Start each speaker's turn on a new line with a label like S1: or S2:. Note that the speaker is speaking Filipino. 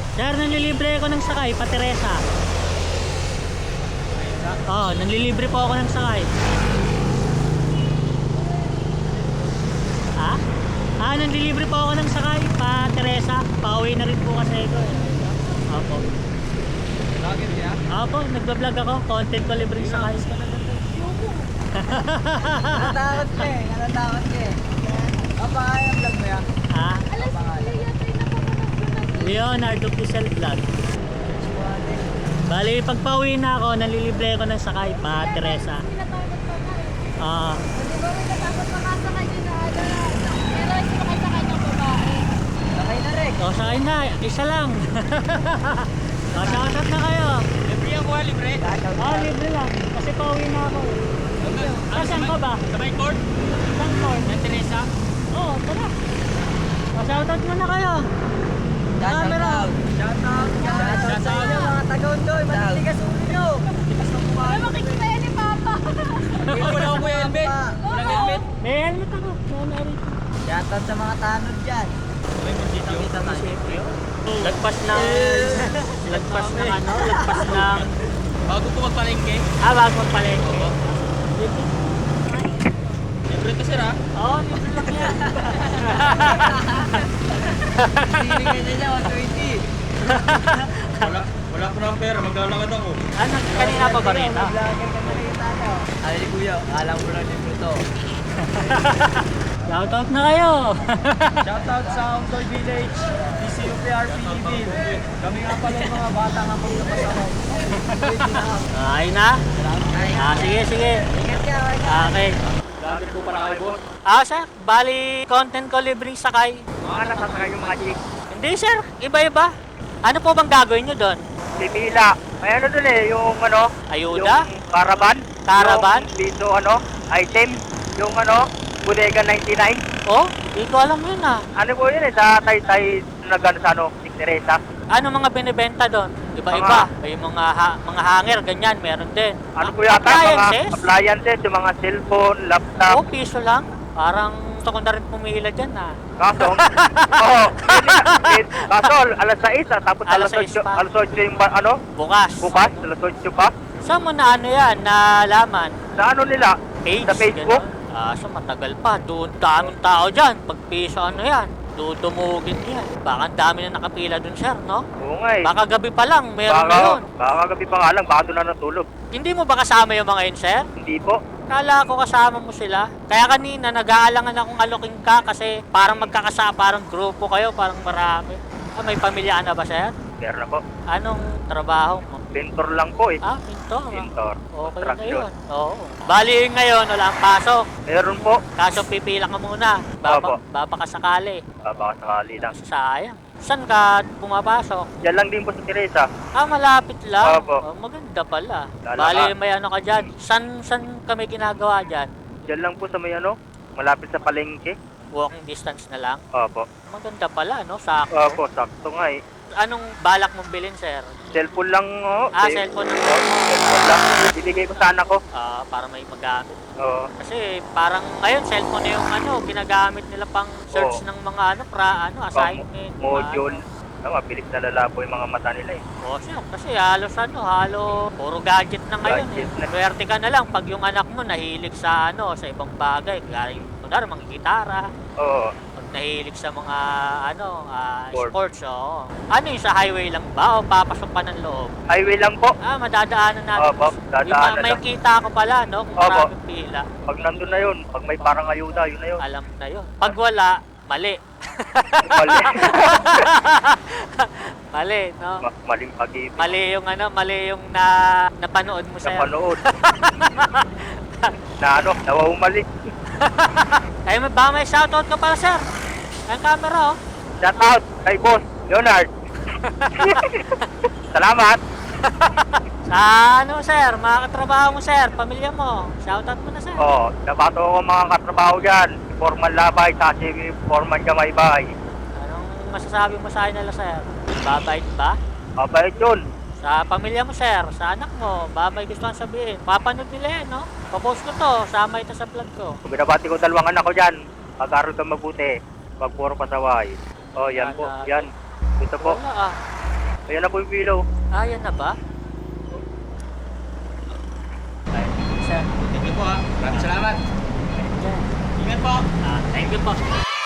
S1: Sir, nanlilibre ako ng sakay, pa Teresa. Oo, nanlilibre po ako ng sakay. Ha? Nanlilibre po ako ng sakay, pa Teresa. Pauwi na rin po kasi ito eh. Opo.
S2: Vlogger niya?
S1: Opo, nagbablog ako. Content ko libre sakay.
S2: Natatakot ka eh. Natatakot ka eh. Kapakaya ang vlog mo yan?
S1: Ha?
S3: Alas, yata yung napapanood ko na.
S1: Leonardo Pizel Vlog. Bali, pagpauwi na ako, nanlilibre ako ng sakay, pa Teresa.
S3: Tinatakot pa na eh.
S1: Ah,
S3: Di ba may natakot pa ka sa kanya na ano na. Pero sumakay sa kanyang babae.
S2: Sakay na rin.
S1: o sakay na, isa lang. O, shoutout na kayo.
S2: Libre ako ha, libre.
S1: Libre lang. Kasi pauwi na ako. Saan ka ba?
S2: Sa my court?
S1: Saan ko?
S2: Yan, Teresa.
S1: Oo, tara. O, shoutout mo na kayo. Camera.
S2: Shoutout. Shoutout sa inyo mga taga-undoy. Matitigas ulo nyo.
S3: Ay, makikita yan ni Papa.
S2: Wala akong helmet. Walang helmet.
S1: May helmet ako. Meron.
S2: Shoutout sa mga tanod dyan. Kita tayo.
S1: Lagpas ng... lagpas ng ano? Lagpas ng...
S2: Bago po magpalengke.
S1: Bago magpalengke.
S2: Libre to sir ha?
S1: Oo, libre lang yan.
S2: Hindi ka niya 120. Wala ko ng pera. Maglalakad ako.
S1: Kanina pa ba rin?
S2: Vlogger ka na rin tayo. Ay, kuya. Alam mo lang libre to.
S1: Shoutout na kayo.
S2: Shoutout sa Undoy Village, DCUPRP Evil. Kami nga pala yung mga bata nga paglapas ako.
S1: Ayun na? Sige, sige.
S2: Ingat ka,
S1: Okay.
S2: Vlogger po para kayo, boss.
S1: Sir, bali content ko libreng sakay.
S2: Mga nasasakay yung mga chicks.
S1: Hindi sir, iba-iba. Ano po bang gagawin nyo doon?
S4: Pipila. May ano dun eh, yung ano,
S1: Ayuda?
S4: yung caravan.
S1: Caravan?
S4: Yung dito ano, item. Yung ano, Bodega 99.
S1: Oh, hindi ko alam yun
S4: Ano po yun eh, sa Taytay nagano sa ano, St. Teresa.
S1: Ano mga binibenta doon? Iba-iba. May mga hanger, ganyan, meron din.
S4: Ano po yata,
S1: Appliances?
S4: mga appliances, yung mga cellphone, laptop.
S1: Oh, piso lang. Parang gusto ko na rin pumila dyan
S4: Kaso, oo, kaso alas 6 tapos
S1: Alas
S4: alas
S1: 6
S4: 8,
S1: pa.
S4: alas 8 yung ano,
S1: Bukas.
S4: bukas, alas 8 pa.
S1: Saan mo na ano yan, nalaman?
S4: Sa ano nila,
S1: Page?
S4: sa Facebook.
S1: Ganun. So matagal pa. Doon daming tao dyan. Pag piso ano yan, dudumugin yan. Baka ang dami na nakapila doon sir, no?
S4: Oo nga eh.
S1: Baka gabi pa lang, meron na yun.
S4: Baka gabi pa nga lang, baka doon na natulog.
S1: Hindi mo ba kasama yung mga yun, sir?
S4: Hindi po.
S1: Kala ko kasama mo sila. Kaya kanina, nag-aalangan akong alokin ka kasi parang magkakasa, parang grupo kayo, parang marami. May pamilya na ba, sir?
S4: Meron na po.
S1: Anong trabaho mo?
S4: Pintor lang po eh.
S1: Pintor.
S4: Pintor.
S1: Okay na
S4: Construction.
S1: yun. Oo. Bali ngayon, wala ang pasok.
S4: Meron po.
S1: Kaso pipila ka muna.
S4: Opo.
S1: Babakasakali.
S4: Baka sakali lang.
S1: Sayang. Saan ka pumapasok?
S4: Diyan lang din po sa Teresa.
S1: Malapit lang.
S4: Opo.
S1: Maganda pala.
S4: Lala
S1: Bali,
S4: ka.
S1: may ano ka dyan. San kami ginagawa dyan?
S4: Diyan lang po sa may ano, malapit sa palengke.
S1: Walking distance na lang.
S4: Opo.
S1: Maganda pala, no? Sakto.
S4: Opo, sakto nga eh.
S1: Anong balak mong bilhin, sir?
S4: Cellphone lang oh.
S1: Cellphone lang.
S4: Cellphone lang. Bibigay ko sa anak ko.
S1: Para may magamit.
S4: Oo.
S1: Kasi parang ngayon, cellphone na yung ginagamit nila pang search
S4: Oo.
S1: ng mga assignment.
S4: Module. Mabilis na lalabo yung mga mata nila eh.
S1: Sir, kasi halos puro gadget na ngayon
S4: Gadget na.
S1: Swerte ka na lang pag yung anak mo nahilig sa sa ibang bagay. Kaya yung mga gitara.
S4: Oo.
S1: Pag nahilig sa mga
S4: Sport.
S1: sports, Ano yung sa highway lang ba o papasok pa ng loob?
S4: Highway lang po.
S1: Madadaanan natin.
S4: Opo, dadaanan
S1: May
S4: lang.
S1: kita ko pala, no? Kung
S4: Opo.
S1: maraming pila.
S4: Pag nandun na yun, pag may parang ayuda, yun na yun.
S1: Alam na yun. Pag wala, mali.
S4: Mali.
S1: Mali, no?
S4: Maling pag-ibig.
S1: Mali yung napanood mo sir.
S4: Napanood. Nawawumali.
S1: Ay, baka may shoutout ka pala, sir. Ang camera,
S4: Shout out kay Boss Leonard. Salamat.
S1: Sa sir, mga katrabaho mo, sir, pamilya mo. Shoutout mo na, sir.
S4: Nabato ko mga katrabaho dyan. Forman Labay, Sashi, Forman Gamaybay.
S1: Anong masasabi mo sa nila, sir? Babait ba?
S4: Mabait yun.
S1: Sa pamilya mo, sir, sa anak mo, may gusto kang sabihin. Papanood nila yan, no? Papost ko to, sama ito sa vlog ko.
S4: Binabati ko dalawang anak ko dyan. Pag-aral ka mabuti. Pag puro pasaway. Yan po. Yan. Ito po.
S1: Wala
S4: Ayan na po yung pilo.
S1: Ah, yan na ba? Ay, sir.
S2: Thank you po ha. Maraming salamat. Ingat po.
S1: Thank you po.